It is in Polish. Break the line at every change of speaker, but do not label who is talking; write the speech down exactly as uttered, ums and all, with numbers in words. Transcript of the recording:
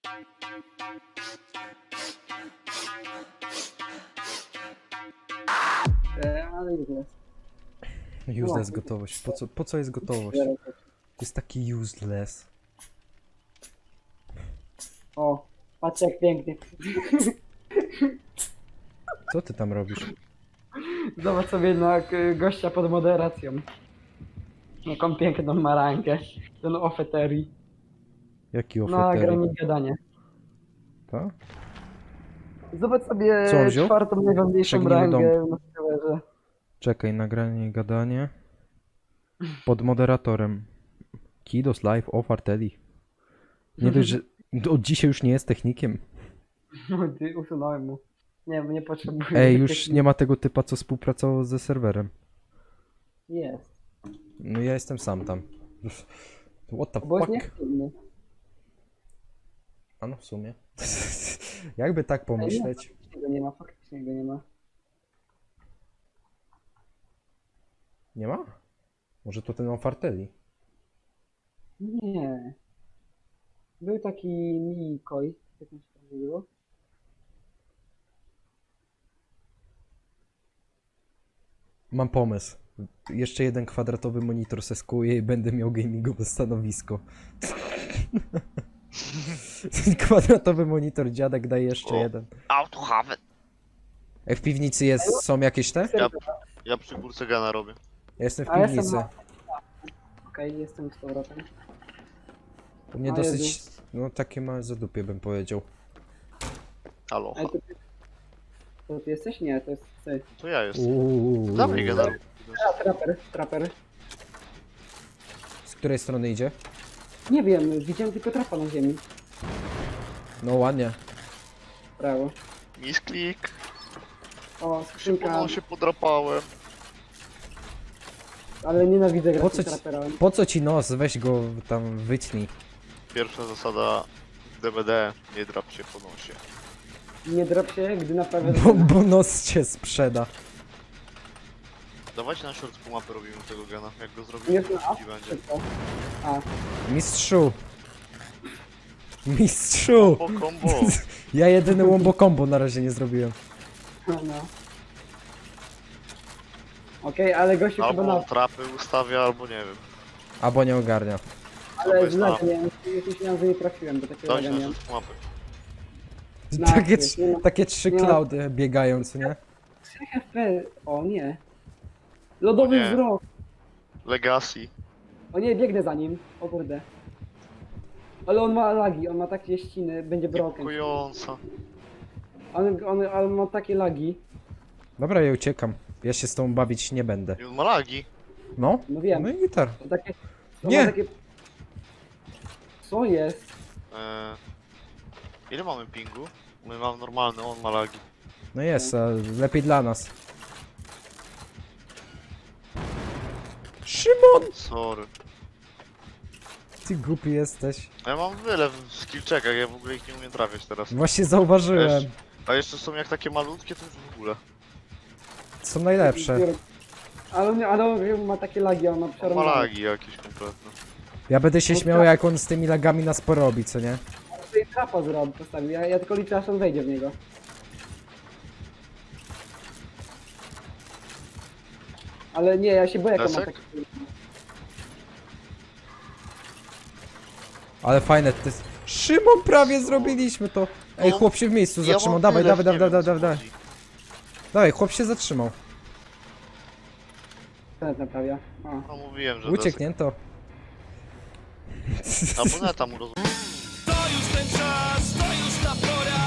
E, ale useless.
Useless gotowość. Po co, po co jest gotowość? To jest taki useless.
O, patrz jak pięknie.
Co ty tam robisz?
Zobacz sobie na k- gościa pod moderacją. Jaką piękną marankę. Ten ofeterii.
Jaki
Na
ofertery?
granic gadanie.
To?
Zobacz sobie
Co on wziął?
czwartą najważniejszą
Przegnimy
rangę na serwerze.
Czekaj, nagranie i gadanie. Pod moderatorem. Kidos live off Arteli. Nie dość, że od dzisiaj już nie jest technikiem.
No, ty, usunąłem mu. Nie, nie potrzebuję.
Ej, już nie ma tego typa, co współpracował ze serwerem.
Jest.
No ja jestem sam tam. What the
Bo jest
fuck?
nieaktywny.
A no w sumie. Jakby tak pomyśleć.
Faktycznie go nie ma, faktycznie go nie ma.
Nie ma? Może to ten Fartelli?
Nie. Był taki Mikoj. Jak on się tam nazywał?
Mam pomysł. Jeszcze jeden kwadratowy monitor seskuję i będę miał gamingowe stanowisko. Kwadratowy monitor, dziadek daje jeszcze
O.
jeden.
Auto have it.
Ej, w piwnicy jest, są jakieś te?
Ja, ja przy górce gana robię.
Ja jestem w
A ja jestem
piwnicy.
na- Okej, jestem z powrotem.
U mnie
A,
dosyć,
Jezu.
no takie małe zadupie bym powiedział.
Halo.
Ale to, to ty jesteś? Nie, to jest ty.
To ja jestem.
Uuu.
Dawaj gana.
A, traper, traper.
Z której strony idzie?
Nie wiem, widziałem tylko trapa na ziemi.
No ładnie.
Brawo.
Misklik.
O, skrzynka,
No się podrapałem.
ale nienawidzę grać
Po
z
co
tym
ci-
traperem.
Po co ci nos? Weź go tam wytnij.
Pierwsza zasada D B D. Nie drap się po nosie.
Nie drop się, gdy naprawię...
Bo, bo nos cię sprzeda.
Dawajcie na short mapy robimy tego gana. Jak go zrobimy,
Jest
to
na A?
ci będzie.
Szybko. A,
Mistrzu! Mistrzu!
Po combo.
Ja jedyny wombo combo na razie nie zrobiłem.
no, no. Okej, ale gościu chyba
Albo
na...
on trapy ustawia, albo nie wiem.
Albo nie ogarnia.
Ale
jest
źle,
na-
nie, już myślałem, że nie trafiłem do takiego
Dajcie na
zagadnienia.
short mapy.
Na
Takie,
akcję,
trz-
nie ma-
takie trzy
nie ma-
klaudy biegają, co nie?
trzy H P, o nie. Lodowy
O nie.
wzrok.
Legacy.
O nie, biegnę za nim. O kurde. Ale on ma lagi, on ma takie ściny, będzie broken.
Niepokojąca.
On, on, on ma takie lagi.
Dobra, ja uciekam. Ja się z tą bawić nie będę.
I on ma lagi.
No?
No wiem.
No i gitar.
To takie... To
Nie.
Ma takie... Co jest?
Eee, ile mamy pingu? My mamy normalny, on ma lagi.
No jest, a lepiej dla nas. Szymon!
Sorry.
Ty głupi jesteś.
A ja mam wiele w skill checkach, ja w ogóle ich nie umiem trafiać teraz.
Właśnie zauważyłem.
Wiesz, a jeszcze są jak takie malutkie, to już w ogóle.
Są najlepsze.
Ale on, ale on ma takie lagi, on ma
On ma
przerwane.
lagi jakieś kompletne.
Ja będę się
No
śmiał,
tak.
jak on z tymi lagami nas porobi, co nie?
Tutaj trapa zrobił, postawił. Ja, ja tylko liczę, aż on wejdzie w niego. Ale nie, ja się boję, jak on ma
Desek?
takie...
Ale fajne, to jest... Szymon, prawie zrobiliśmy to! Ej,
No,
chłop się w miejscu
Ja
zatrzymał,
mam
dawaj,
tyle,
dawaj,
nie
dawaj,
wiem,
dawaj,
o co
dawaj.
chodzi.
Dawaj, chłop się zatrzymał.
Ten naprawia. O.
No mówiłem, że
Ucieknięto.
desek. Albo neta mu roz...
To już ten czas, to już ta pora.